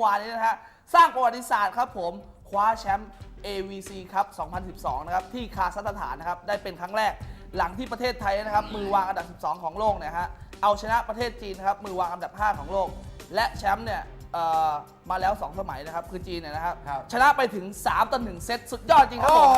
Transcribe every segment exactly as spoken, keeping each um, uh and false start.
วานนี้นะฮะสร้างประวัติศาสตร์ครับผมคว้าแชมป์ เอ วี ซี ครับ สองพันสิบสอง นะครับที่คาซัคสถานนะครับได้เป็นครั้งแรกหลังที่ประเทศไทยนะครับมือวางอันดับสิบสองของโลกเนี่ยฮะเอาชนะประเทศจีนนะครับมือวางอันดับห้าของโลกและแชมป์เนี่ยมาแล้วสองสมัยนะครับคือจีนเนี่ยนะครับชนะไปถึงสามต่อหนึ่งเซตสุดยอดจริงครับผม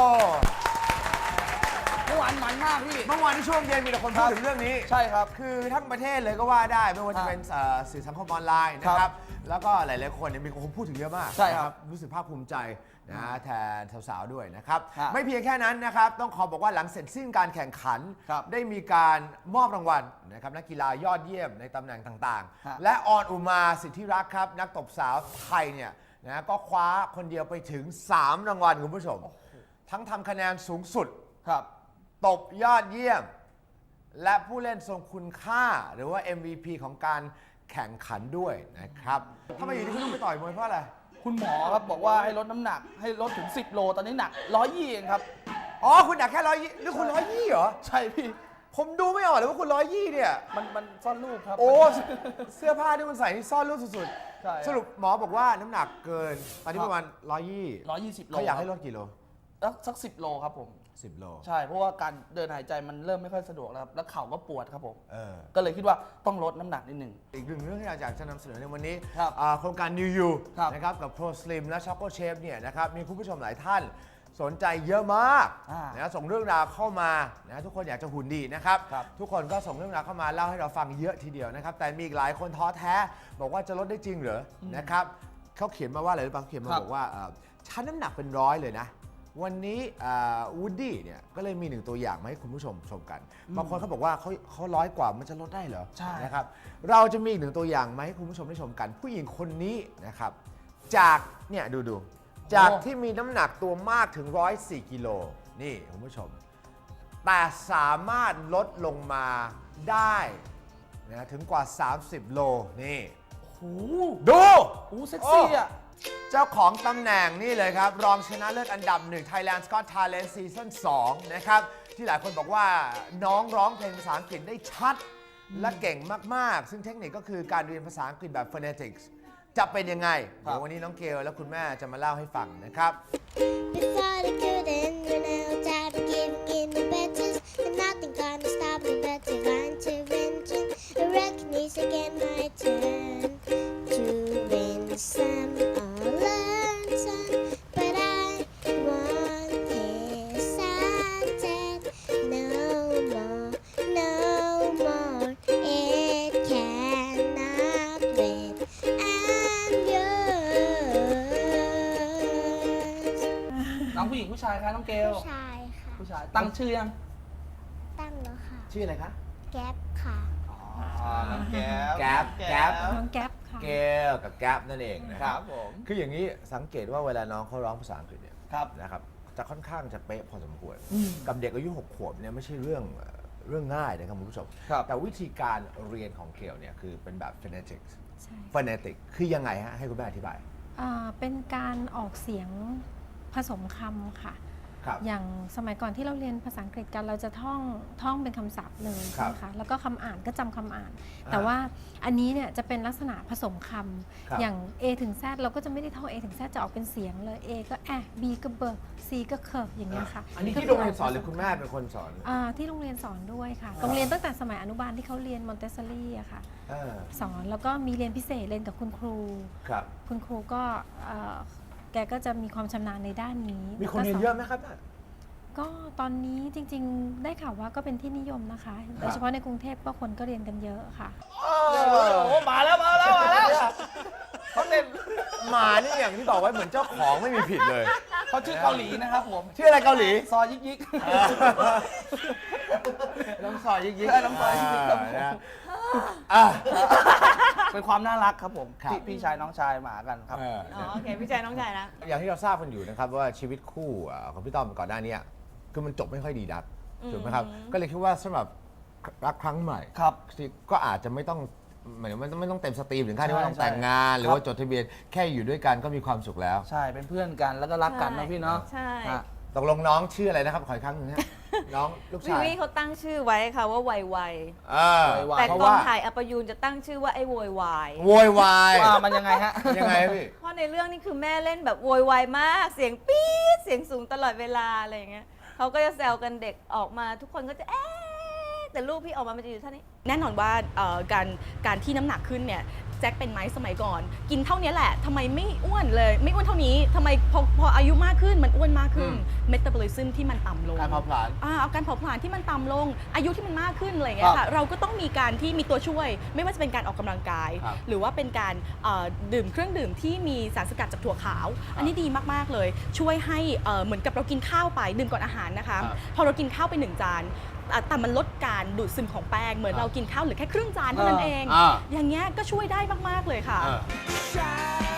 เมื่อวานมันมากพี่เมื่อวานที่ช่วงเย็นมีแต่คนพูดถึงเรื่องนี้ใช่ครับคือทั้งประเทศเลยก็ว่าได้ไม่ว่าจะเป็นสื่อสังคมออนไลน์นะครับแล้วก็หลายๆคนเนี่ยมีคนพูดถึงเยอะมากใช่ครับรู้สึกภาคภูมิใจนะแทนสาวๆด้วยนะครับไม่เพียงแค่นั้นนะครับต้องขอบอกว่าหลังเสร็จสิ้นการแข่งขันได้มีการมอบรางวัลนะครับนักกีฬายอดเยี่ยมในตำแหน่งต่างๆและออนอุมาสิทธิรักษ์ครับนักตบสาวไทยเนี่ยนะก็คว้าคนเดียวไปถึงสามรางวัลคุณผู้ชมทั้งทำคะแนนสูงสุดครับตบยอดเยี่ยมและผู้เล่นทรงคุณค่าหรือว่า เอ็ม วี พี ของการแข่งขันด้วยนะครับทำไมอยู่ที่คุณต้องไปต่อยมวยเพราะอะไรคุณหมอครับบอกว่าให้ลดน้ำหนักให้ลดถึงสิบโลตอนนี้หนักหนึ่งร้อยยี่สิบเองครับอ๋อคุณหนักแค่ร้อยยี่หรือคุณร้อยยี่เหรอใช่พี่ผมดูไม่ออกเลยว่าคุณร้อยยี่เนี่ยมันมันซ่อนรูปครับโอ้เสื้อผ้าที่คุณใส่นี่ซ่อนรูปสุดๆสรุปหมอบอกว่าน้ำหนักเกินตอนนี้ประมาณร้อยยี่ร้อยยี่สิบโลเขาอยากให้ลดกี่โลสักสิบโลครับผมสิบโลใช่เพราะว่าการเดินหายใจมันเริ่มไม่ค่อยสะดวกแล้วครับแล้วเข่าก็ปวดครับผมก็เลยคิดว่าต้องลดน้ำหนักนิดหนึ่งอีกหนึ่งเรื่องที่อยากจะนำเสนอในวันนี้ครับโครงการ New You นะครับกับ Pro Slim และ Choco Chef เนี่ยนะครับมีคุณผู้ชมหลายท่านสนใจเยอะมากนะส่งเรื่องราวเข้ามานะทุกคนอยากจะหุ่นดีนะครับทุกคนก็ส่งเรื่องราวเข้ามาเล่าให้เราฟังเยอะทีเดียวนะครับแต่มีอีกหลายคนท้อแท้บอกว่าจะลดได้จริงเหรอนะครับเขาเขียนมาว่าอะไรหรือเปล่าเขียนมาบอกว่าฉันน้ำหนักเป็นร้อยเลยนะวันนี้วูดดี้เนี่ยก็เลยมีหนึ่งตัวอย่างมาให้คุณผู้ชมชมกันบางคนเขาบอกว่าเขาเขาร้อยกว่ามันจะลดได้เหรอใช่นะครับเราจะมีอีกหนึ่งตัวอย่างมาให้คุณผู้ชมได้ชมกันผู้หญิงคนนี้นะครับจากเนี่ยดูดูจากที่มีน้ำหนักตัวมากถึงหนึ่งร้อยสี่กิโลนี่คุณผู้ชมแต่สามารถลดลงมาได้นะถึงกว่าสามสิบโลนี่ดูโอ้เซ็กซี่อ่ะเจ้าของตำแหน่งนี่เลยครับรองชนะเลิศอันดับหนึ่ง Thailand Got Talent Season สองนะครับที่หลายคนบอกว่าน้องร้องเพลงภาษาอังกฤษได้ชัดและเก่งมากๆซึ่งเทคนิคก็คือการเรียนภาษาอังกฤษแบบ phonetics จะเป็นยังไงเดี๋ยววันนี้น้องเกลและคุณแม่จะมาเล่าให้ฟังนะครับน้องผู้หญิงผู้ชายคะน้องเกลผู้ชายค่ะผู้ชายตั้งชื่อยังตั้งแล้วค่ะชื่ออะไรคะแก๊ปค่ะอ๋อน้องแก๊ปแก๊ปแก๊ปน้องแก๊ปค่ะเกลกับแก๊ปนั่นเองนะครับผมคืออย่างนี้สังเกตว่าเวลาน้องเขาร้องภาษาอังกฤษเนี่ยครับนะครับจะค่อนข้างจะเป๊ะพอสมควรกับเด็กอายุหกขวบเนี่ยไม่ใช่เรื่องเรื่องง่ายนะครับคุณผู้ชมแต่วิธีการเรียนของเกลเนี่ยคือเป็นแบบ phonetics phonetic คือยังไงฮะให้คุณแม่อธิบายเป็นการออกเสียงผสมคำค่ะอย่างสมัยก่อนที่เราเรียนภาษาอังกฤษกันเราจะท่องท่องเป็นคำศัพท์เลยนะคะแล้วก็คำอ่านก็จำคำอ่านแต่ว่าอันนี้เนี่ยจะเป็นลักษณะผสมคำอย่าง A ถึง Z เราก็จะไม่ได้ท่อง A ถึง Z จะออกเป็นเสียงเลย A ก็แอะ B ก็เบอร์ C ก็เคอร์อย่างเงี้ยค่ะอันนี้ที่โรงเรียนสอนหรือคุณแม่เป็นคนสอนที่โรงเรียนสอนด้วยค่ะโรงเรียนตั้งแต่สมัยอนุบาลที่เขาเรียนมอนเตสซอรี่อะค่ะสอนแล้วก็มีเรียนพิเศษเรียนกับคุณครูคุณครูก็แกก็จะมีความชำนาญในด้านนี้มีคนเรียนเยอะไหมครับก็ตอนนี้จริงๆได้ข่าวว่าก็เป็นที่นิยมนะคะโดยเฉพาะในกรุงเทพก็คนก็เรียนกันเยอะค่ะโอ้มาแล้วมาแล้วมาแล้วเขาเต้นมานี่อย่างที่บอกไว้เหมือนเจ้าของไม่มีผิดเลยเขาชื่อเกาหลีนะครับผมชื่ออะไรเกาหลีซอยิกยิกน้องซอยยิกยิกน้องซอยยิกยิกเป็นความน่ารักครับผมพี่ชายน้องชายหมากันครับอ๋อโอเคพี่ชายน้องชายนะอย่างที่เราทราบกันอยู่นะครับว่าชีวิตคู่ของพี่ต้อมก่อนหน้านี้คือมันจบไม่ค่อยดีนักถูกไหมครับก็เลยคิดว่าสำหรับรักครั้งใหม่ครับก็อาจจะไม่ต้องหมายถึงไม่ต้องเต็มสตรีมถึงขั้นที่ว่าต้องแต่งงานหรือว่าจดทะเบียนแค่อยู่ด้วยกันก็มีความสุขแล้วใช่เป็นเพื่อนกันแล้วก็รักกันนะพี่เนาะใช่ตกลงน้องชื่ออะไรนะครับขออีกครั้งหนึ่งฮะ น้องลูกวิชายวิเขาตั้งชื่อไว้ค่ะว่าไวไวเออไวๆแต่เพราะกองว่าถ่ายอัปยูนจะตั้งชื่อว่าไอ้โวยวายโวยวายว่ามันยังไงฮะยังไงพี่เพราะในเรื่องนี้คือแม่เล่นแบบโวยวายมาก เสียงปี๊ดเสียงสูงตลอดเวลาอะไรอย่างเงี้ยเขาก็จะแซวกันเด็กออกมาทุกคนก็จะเอ๊ะแต่ลูกพี่ออกมามันจะอยู่เท่านี้แน่นอนว่าเอ่อการการที่น้ำหนักขึ้นเนี่ยแจ็คเป็นไหมสมัยก่อน กินเท่านี้แหละทำไมไม่อ้วนเลย ไม่อ้วนเท่านี้ทำไมพอพออายุมากขึ้นมันอ้วนมากขึ้นอืมเมตาบอลิซึมที่มันต่ำลงการเผาผลาญอ่าเอาการเผาผลาญที่มันต่ำลง อายุที่มันมากขึ้นอะไรอย่างเงี้ยครัค่ะบเราก็ต้องมีการที่มีตัวช่วย ไม่ว่าจะเป็นการออกกำลังกายครับหรือว่าเป็นการเอ่อดื่มเครื่องดื่มที่มีสารสกัดจากถั่วขาว อันนี้ดีมากๆเลย ช่วยให้เอ่อเหมือนกับเรากินข้าวไปดื่มก่อนอาหารนะคะครับพอเรากินข้าวไปหนึ่งจานอ่ะแต่มันลดการดูดซึมของแป้งเหมือนครับเรากินข้าวเหลือแค่ครึ่งจานเท่านั้นเองอ่าอย่างเงี้ยก็ช่วยได้มาก ๆ เลยค่ะเออ Shine